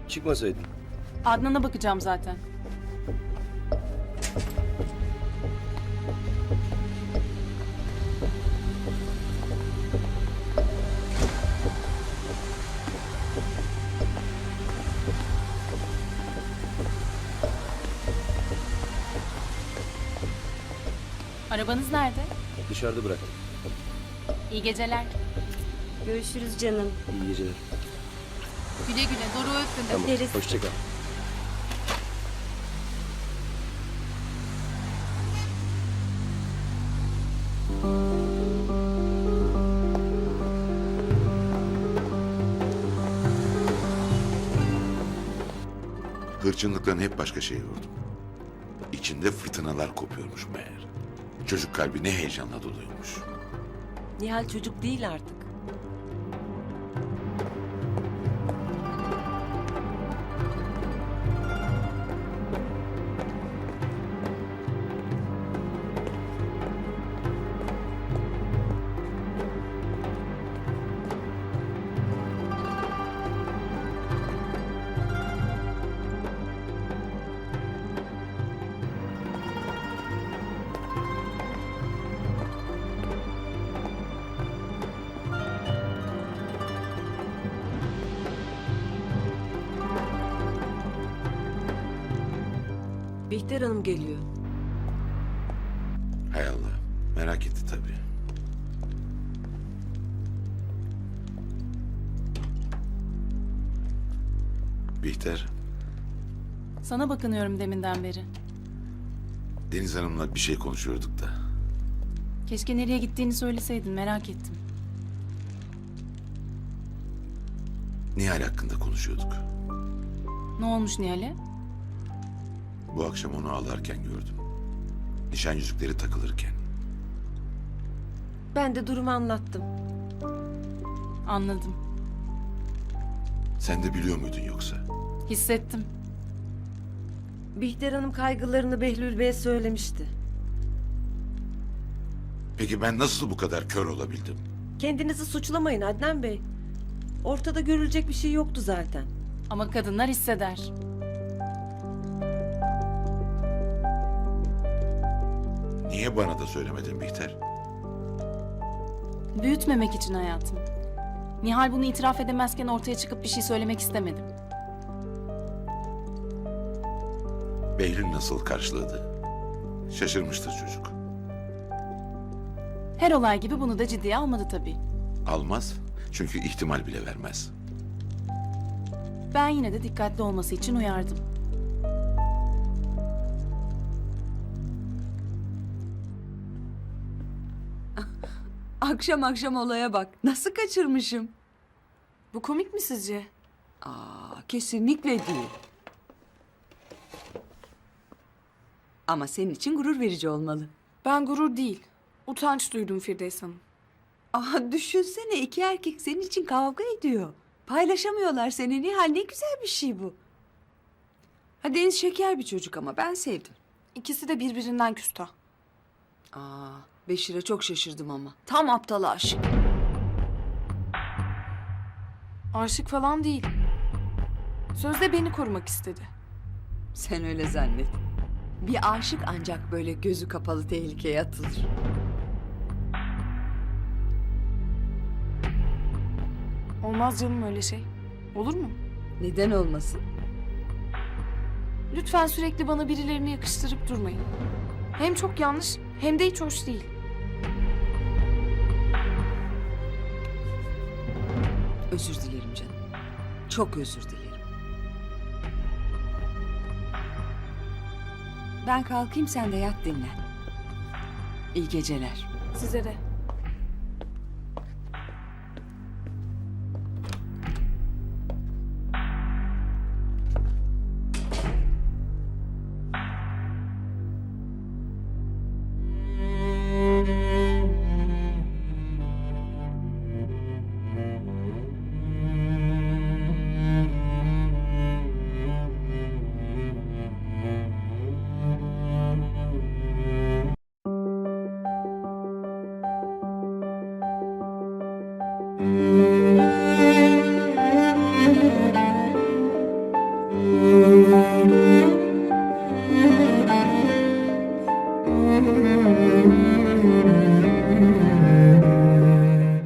Çıkmasaydın. Adnan'a bakacağım zaten. Arabanız nerede? Dışarıda bıraktım. İyi geceler. Görüşürüz canım. İyi geceler. Güle güle. Doruk'u öptüm. Tamam. Öperiz. Hoşça kal. Hırçınlıklarını hep başka şeye yordum. İçinde fırtınalar kopuyormuş meğer. Çocuk kalbi ne heyecanla doluymuş. Nihal çocuk değil artık. Bihter Hanım geliyor. Hay Allah, merak etti tabii. Bihter, Sana bakınıyorum deminden beri. Deniz Hanım'la bir şey konuşuyorduk da. Keşke nereye gittiğini söyleseydin, merak ettim. Nihal hakkında konuşuyorduk. Ne olmuş Nihal'e? Bu akşam onu ağlarken gördüm. Nişan yüzükleri takılırken. Ben de durumu anlattım. Anladım. Sen de biliyor muydun yoksa? Hissettim. Bihter Hanım kaygılarını Behlül Bey'e söylemişti. Peki ben nasıl bu kadar kör olabildim? Kendinizi suçlamayın Adnan Bey. Ortada görülecek bir şey yoktu zaten. Ama kadınlar hisseder. Niye bana da söylemedin Bihter? Büyütmemek için hayatım. Nihal bunu itiraf edemezken ortaya çıkıp bir şey söylemek istemedim. Behlül nasıl karşıladı? Şaşırmıştır çocuk. Her olay gibi bunu da ciddiye almadı tabii. Almaz, çünkü ihtimal bile vermez. Ben yine de dikkatli olması için uyardım. Akşam akşam olaya bak. Nasıl kaçırmışım? Bu komik mi sizce? Kesinlikle değil. Ama senin için gurur verici olmalı. Ben gurur değil, utanç duydum Firdevs Hanım. Düşünsene, iki erkek senin için kavga ediyor. Paylaşamıyorlar seni. Nihal, ne güzel bir şey bu. Ha, Deniz şeker bir çocuk ama ben sevdim. İkisi de birbirinden küstah. Beşir'e çok şaşırdım ama. Tam aptal aşık. Aşık falan değil. Sözde beni korumak istedi. Sen öyle zannet. Bir aşık ancak böyle gözü kapalı tehlikeye atılır. Olmaz canım öyle şey. Olur mu? Neden olmasın? Lütfen sürekli bana birilerini yakıştırıp durmayın. Hem çok yanlış hem de hiç hoş değil. Özür dilerim canım. Çok özür dilerim. Ben kalkayım, sen de yat dinlen. İyi geceler. Size de. Müzik